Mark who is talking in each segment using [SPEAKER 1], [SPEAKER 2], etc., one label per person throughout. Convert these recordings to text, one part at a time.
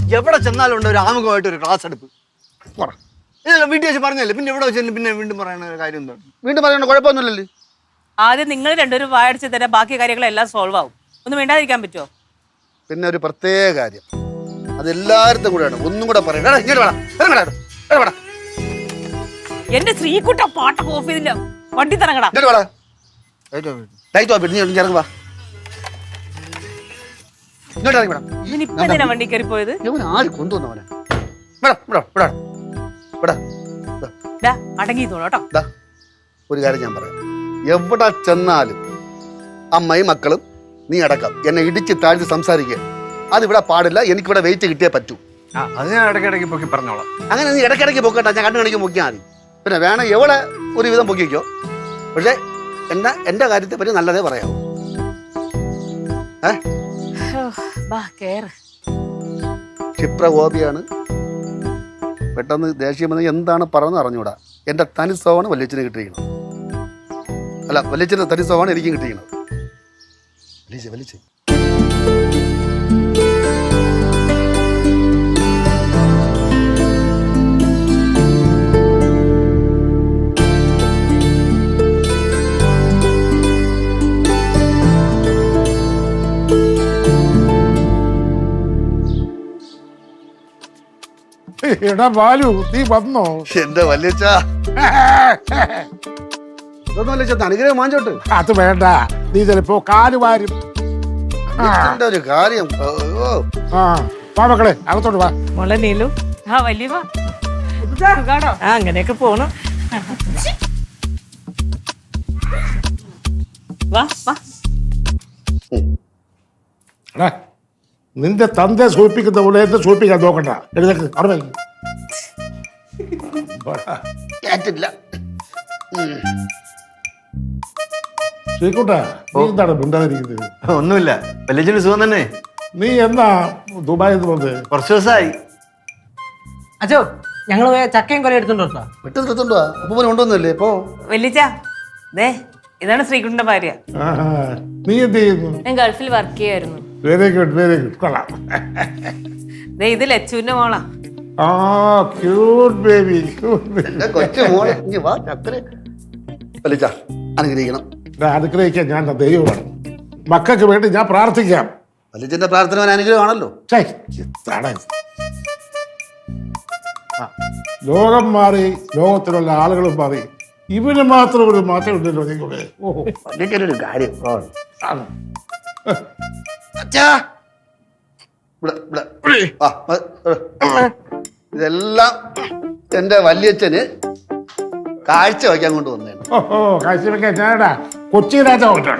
[SPEAKER 1] എവിടെ ചെന്നാലും ഒരു ആമുഖമായിട്ട് ഒരു ക്ലാസ് എടുപ്പ്. വീട്ടിൽ വെച്ച് പറഞ്ഞല്ലേ, പിന്നെ എവിടെ വെച്ചാലും പിന്നെ വീണ്ടും പറയുന്ന കാര്യം എന്താണ്?
[SPEAKER 2] വീണ്ടും പറയണ്ട, കുഴപ്പമൊന്നുമില്ലല്ലേ.
[SPEAKER 3] ആദ്യം നിങ്ങൾ രണ്ടുപേരും വായടിച്ച് തരാം, ബാക്കി കാര്യങ്ങളെല്ലാം സോൾവ് ആവും. ഒന്നും വേണ്ടാതിരിക്കാൻ പറ്റുമോ?
[SPEAKER 2] പിന്നെ ഒരു പ്രത്യേക കാര്യം, അതെല്ലായിടത്തും കൂടെയാണ്. ഒന്നും കൂടെ പറയണം.
[SPEAKER 3] എന്റെ ശ്രീകുട്ട പാട്ടൊക്കെ ഓഫ് ചെയ്തില്ല, വണ്ടി തരങ്ങടാ. ഇവനിപ്പ വണ്ടി കയറി പോയത്
[SPEAKER 2] ആര് കൊണ്ടുവന്നവനെ?
[SPEAKER 3] അടങ്ങിത്തോളൂ.
[SPEAKER 2] ഒരു കാര്യം ഞാൻ പറയാം, എവിടെ ചെന്നാലും അമ്മയും മക്കളും നീ അടക്കം എന്നെ ഇടിച്ച് താഴ്ത്തി സംസാരിക്കുക. അതിവിടെ പാടില്ല. എനിക്കിവിടെ വെയിറ്റ് കിട്ടിയേ പറ്റൂ.
[SPEAKER 1] അത് ഞാൻ ഇടയ്ക്കിടയ്ക്ക് പൊക്കി പറഞ്ഞോളാം.
[SPEAKER 2] അങ്ങനെ നീ ഇടയ്ക്കിടയ്ക്ക് പൊക്കട്ടെ, ഞാൻ കണ്ണു കണിക്ക് പൊക്കിയാൽ മതി. പിന്നെ വേണം എവിടെ ഒരുവിധം പൊക്കിക്കോ. പക്ഷെ എന്റെ കാര്യത്തെ പറ്റി നല്ലതേ പറയാവൂ. ക്ഷിപ്രകോപിയാണ്, പെട്ടെന്ന് ദേഷ്യം വന്ന് എന്താണ് പറഞ്ഞത് അറിഞ്ഞൂടാ. എന്റെ തനി സ്വഭാവമാണ് വല്യച്ഛന് കിട്ടിയിരിക്കുന്നത്. അല്ല, വല്യച്ഛന്റെ തനി സ്വഭാവമാണ് എനിക്കും കിട്ടിയിരിക്കുന്നത്. വലിച്ച്
[SPEAKER 4] എടാ ബാലു, നീ വന്നോ?
[SPEAKER 2] എന്റെ വല്യച്ഛ, ഇതൊന്നും വല്യച്ഛ അനുഗ്രഹം വാങ്ങിച്ചോട്ട്.
[SPEAKER 4] അത് വേണ്ട, നീ ചിലപ്പോ കാല് വാരും.
[SPEAKER 2] ഒരു കാര്യം.
[SPEAKER 4] വാ മക്കളെ, അകത്തോട്ട് വാ.
[SPEAKER 3] മോളെ നീലു, വലിയ അങ്ങനെയൊക്കെ പോണം.
[SPEAKER 4] നിന്റെ തന്തെ സൂചിപ്പിക്കുന്ന പോലെ എന്നെ സൂചിപ്പിക്കാൻ നോക്കണ്ട. എഴുതേക്ക്, അവിടെ ശ്രീകുട്ടാ, നീ എന്താണ് മിണ്ടാതിരിക്കുന്നത്?
[SPEAKER 1] ഒന്നുമില്ല, വല്യച്ഛന് സുഖം തന്നെ.
[SPEAKER 4] നീ എന്നാ ദുബായിൽ വന്നത്?
[SPEAKER 1] കുറച്ച് ദിവസമായി.
[SPEAKER 5] അച്ഛോ, ഞങ്ങള് ചക്കയും കൊല എടുത്തോണ്ടോ?
[SPEAKER 2] വിട്ടെടുത്തോണ്ടോ? അപ്പൊ കൊണ്ടുവന്നല്ലേ ഇപ്പൊ?
[SPEAKER 3] വല്യച്ഛ, ദേ ഇതാണ് ശ്രീകുട്ടന്റെ ഭാര്യ.
[SPEAKER 4] നീ എന്ത് ചെയ്യുന്നു?
[SPEAKER 3] ഞാൻ ഗൾഫിൽ വർക്ക് ചെയ്യായിരുന്നു.
[SPEAKER 4] വെരി ഗുഡ്, വെരി ഗുഡ്, കൊള്ളാം.
[SPEAKER 3] ദേ ഇത് ലച്ചുവിന്റെ മോളാ.
[SPEAKER 4] ക്യൂട്ട് ബേബി,
[SPEAKER 2] കൊച്ചു മോളെ. വല്യച്ഛ അനുഗ്രഹിക്കണം.
[SPEAKER 4] അനുഗ്രഹിക്കാൻ ഞാൻ ദൈവമാണ്. മക്കൾക്ക് വേണ്ടി ഞാൻ പ്രാർത്ഥിക്കാം.
[SPEAKER 2] വല്യച്ഛന്റെ പ്രാർത്ഥന അനുഗ്രഹമാണല്ലോ.
[SPEAKER 4] ലോകം മാറി, ലോകത്തിലുള്ള ആളുകളും മാറി, ഇവന് മാത്രം ഒരു മാറ്റം ഉണ്ടല്ലോ നിങ്ങളുടെ. ഓഹോ,
[SPEAKER 2] ഒരു കാര്യം. ഇതെല്ലാം എന്റെ വല്യച്ഛന് കാഴ്ച വയ്ക്കാൻ കൊണ്ട് വന്നതാണ്.
[SPEAKER 4] ഓഹോ, കാഴ്ച വെക്കാൻ ഞാനടാ കൊച്ചി രാജാവാണ്.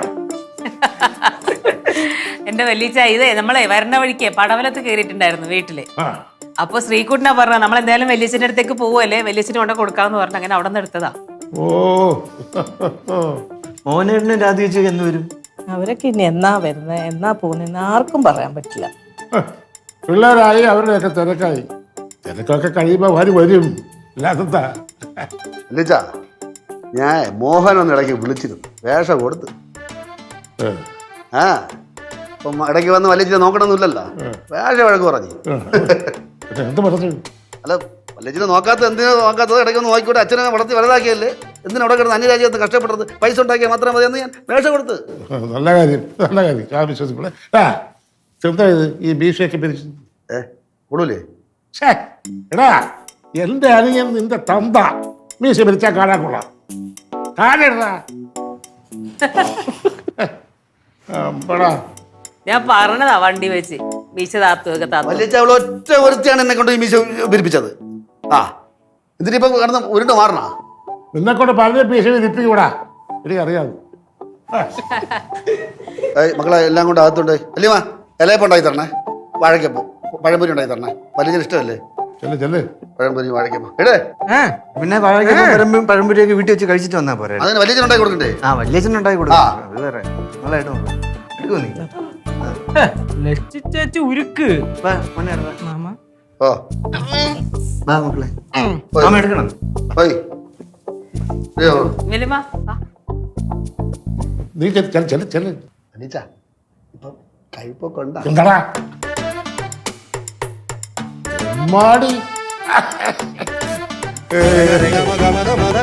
[SPEAKER 3] എന്റെ വല്യച്ഛ, ഇതേ നമ്മളെ വരണ വഴിക്ക് പടവലത്ത് കയറിയിട്ടുണ്ടായിരുന്നു വീട്ടില്. അപ്പൊ ശ്രീകുട്ടനാ പറഞ്ഞ നമ്മളെന്തായാലും വല്യച്ഛന്റെ അടുത്തേക്ക് പോവല്ലേ, വല്യച്ഛന് കൊണ്ട് കൊടുക്കാന്ന് പറഞ്ഞ അങ്ങനെ അവിടെ നിന്ന് എടുത്തതാ.
[SPEAKER 4] ഓ,
[SPEAKER 1] മോനേട്ടനും രാധിച്ചു എന്ന് വരും?
[SPEAKER 5] അവരൊക്കെ ഇനി എന്നാ വരുന്നത്, എന്നാ പോകുന്ന ആർക്കും പറയാൻ പറ്റില്ല.
[SPEAKER 4] പിള്ളേരായി, അവരുടെയൊക്കെ തിരക്കായി. തിരക്കൊക്കെ കഴിയുമ്പോ വരും. ഇല്ലാത്ത
[SPEAKER 2] വല്യച്ഛ, ഞാൻ മോഹനൊന്ന് ഇടയ്ക്ക് വിളിച്ചിരുന്നു, വേഷം കൊടുത്ത്. അപ്പം ഇടയ്ക്ക് വന്ന് വല്യച്ഛനെ നോക്കണമെന്നില്ലല്ലോ, വേഷം വഴക്ക് പറഞ്ഞു.
[SPEAKER 4] എന്ത് പറഞ്ഞു?
[SPEAKER 2] അല്ല, വല്യച്ഛനെ എന്തിനാ നോക്കാത്തത്? ഇടയ്ക്ക് ഒന്ന് നോക്കിക്കൂടെ, അച്ഛനെ വളർത്തി വലുതാക്കിയല്ലേ, എന്തിനാ അവിടെ കിടന്ന് അന്യരാജ്യത്ത് കഷ്ടപ്പെട്ടത്? പൈസ ഉണ്ടാക്കിയാൽ മാത്രം മതി എന്ന് ഞാൻ വേഷം കൊടുത്ത്.
[SPEAKER 4] നല്ല കാര്യം, നല്ല കാര്യം. ഞാൻ വിശ്വസിക്കൂടെ. ചെറുതായത് ഈ ബീഷയൊക്കെ പിരിച്ചു
[SPEAKER 2] കൊടുല്ലേ?
[SPEAKER 4] എടാ, എന്റെ അനിയൻ നിന്റെ തന്ത മീശ പിരിച്ചാൽ കാണാൻ കൊള്ളാം. കാലെടാ,
[SPEAKER 3] ഞാൻ പറഞ്ഞതാ വണ്ടി വെച്ച് മീശ താത്തുവൊക്കെ താത്തു.
[SPEAKER 2] വല്യച്ഛ അവൾ ഒറ്റ ഒരുത്തിയാണ് എന്നെ കൊണ്ട് ഈ മീശ പിരിപ്പിച്ചത്. ഇതിനിപ്പോ കിടന്ന് ഉരുണ്ട് മാറണ
[SPEAKER 4] നിന്നെ കൊണ്ട് പറഞ്ഞ മീശ പിരിപ്പിക്കൂടാ, എനിക്ക് അറിയാതെ.
[SPEAKER 2] മക്കളെ എല്ലാം കൊണ്ട് അകത്തുണ്ട്. അല്ലീമാ, ഇലയപ്പം ഉണ്ടാക്കി തരണേ, വാഴക്കപ്പം, പഴംപൊരി ഉണ്ടാക്കി തരണേ. വല്യച്ഛന് ഇഷ്ടമല്ലേ പഴംപൊരി വാഴക്കപ്പം?
[SPEAKER 1] പിന്നെ വാഴക്കപ്പം പഴംപൊരിയൊക്കെ വീട്ടിൽ വെച്ച് കഴിച്ചിട്ട് വന്നാ പോരെ?
[SPEAKER 2] അതിന് വല്യച്ഛൻ ഉണ്ടാക്കി കൊടുക്കണ്ടേ?
[SPEAKER 1] വല്യച്ഛൻ ഉണ്ടാക്കി കൊടുക്കാം. അത് വേറെ നല്ലതായിട്ട് നോക്കാം. എടുക്കോ നീ?
[SPEAKER 5] ചേച്ചി ഉരുക്ക്.
[SPEAKER 2] ഓ
[SPEAKER 1] മക്കളെ, എടുക്കണം.
[SPEAKER 4] നീ ചെല്ല്.
[SPEAKER 2] ഇപ്പൊ കൈപ്പൊക്കെ ഉണ്ടാ?
[SPEAKER 4] എന്താടാ അമ്മാടി
[SPEAKER 1] ഗമ ഗമ ഗമ